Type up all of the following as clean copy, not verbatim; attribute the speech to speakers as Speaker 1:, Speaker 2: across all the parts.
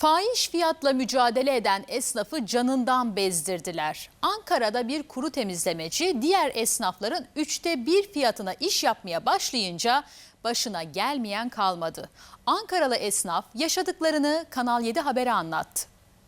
Speaker 1: Fahiş fiyatla mücadele eden esnafı canından bezdirdiler. Ankara'da bir kuru temizlemeci diğer esnafların 1/3 fiyatına iş yapmaya başlayınca başına gelmeyen kalmadı. Ankaralı esnaf yaşadıklarını Kanal 7 Haber'e anlattı.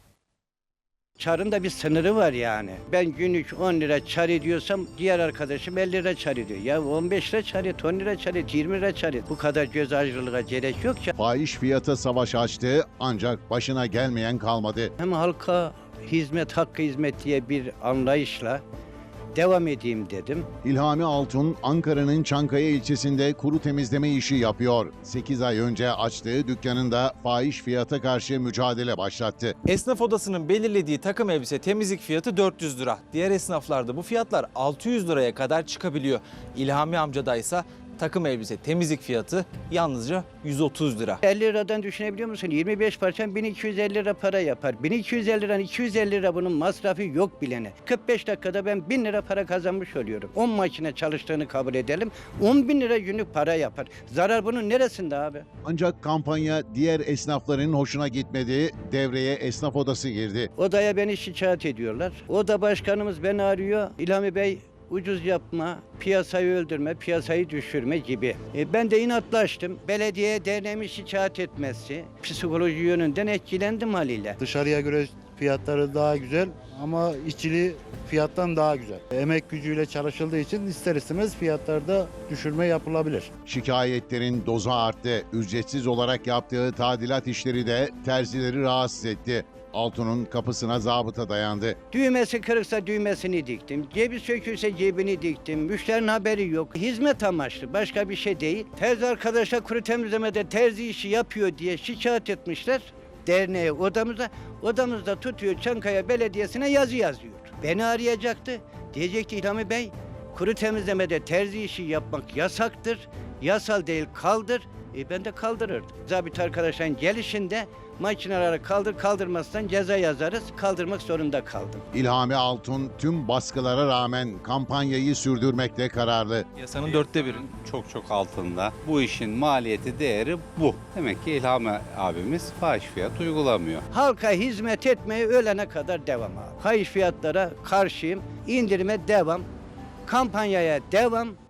Speaker 2: Çarın da bir sınırı var yani. Ben günlük 10 lira çar ediyorsam diğer arkadaşım 50 lira çar ediyor. Ya 15 lira çar et, 10 lira çar et, 20 lira çar et. Bu kadar göz ayrılığa gerek yok ya.
Speaker 3: Fahiş fiyata savaş açtı ancak başına gelmeyen kalmadı.
Speaker 2: Hem halka hizmet, hakkı hizmet diye bir anlayışla devam edeyim dedim.
Speaker 3: İlhami Altun, Ankara'nın Çankaya ilçesinde kuru temizleme işi yapıyor. 8 ay önce açtığı dükkanında fahiş fiyata karşı mücadele başlattı.
Speaker 4: Esnaf odasının belirlediği takım elbise temizlik fiyatı 400 lira. Diğer esnaflarda bu fiyatlar 600 liraya kadar çıkabiliyor. İlhami amcada ise takım elbise temizlik fiyatı yalnızca 130 lira.
Speaker 2: 50 liradan düşünebiliyor musun? 25 parçam 1250 lira para yapar. 1250 liradan 250 lira bunun masrafı yok bilene. 45 dakikada ben 1000 lira para kazanmış oluyorum. 10 makine çalıştığını kabul edelim. 10.000 lira günlük para yapar. Zarar bunun neresinde abi?
Speaker 3: Ancak kampanya diğer esnafların hoşuna gitmedi. Devreye esnaf odası girdi.
Speaker 2: Odaya beni şikayet ediyorlar. Oda başkanımız beni arıyor. İlhami Bey ucuz yapma, piyasayı öldürme, piyasayı düşürme gibi. Ben de inatlaştım. Belediye derneğimi şikayet etmesi, psikoloji yönünden etkilendim haliyle.
Speaker 5: Dışarıya göre fiyatları daha güzel ama işçiliği fiyattan daha güzel. Emek gücüyle çalışıldığı için ister istemez fiyatlarda düşürme yapılabilir.
Speaker 3: Şikayetlerin dozu arttı. Ücretsiz olarak yaptığı tadilat işleri de terzileri rahatsız etti. Altun'un kapısına zabıta dayandı.
Speaker 2: Düğmesi kırıksa düğmesini diktim. Cebi sökülse cebini diktim. Müşterinin haberi yok. Hizmet amaçlı, başka bir şey değil. Terzi arkadaşa kuru temizlemede terzi işi yapıyor diye şikayet etmişler derneğe, odamıza. Odamızda tutuyor, Çankaya Belediyesi'ne yazı yazıyor. Beni arayacaktı. Diyecekti İlhami Bey, kuru temizlemede terzi işi yapmak yasaktır. Yasal değil, kaldır. Ben de kaldırırdım. Zabit arkadaşların gelişinde makineleri kaldırmazsan ceza yazarız. Kaldırmak zorunda kaldım.
Speaker 3: İlhami Altun tüm baskılara rağmen kampanyayı sürdürmekte kararlı.
Speaker 4: Yasanın 1/4.
Speaker 6: Çok altında. Bu işin maliyeti, değeri bu. Demek ki İlhami abimiz fahiş fiyat uygulamıyor.
Speaker 2: Halka hizmet etmeye ölene kadar devam abi. Fahiş fiyatlara karşıyım. İndirime devam. Kampanyaya devam.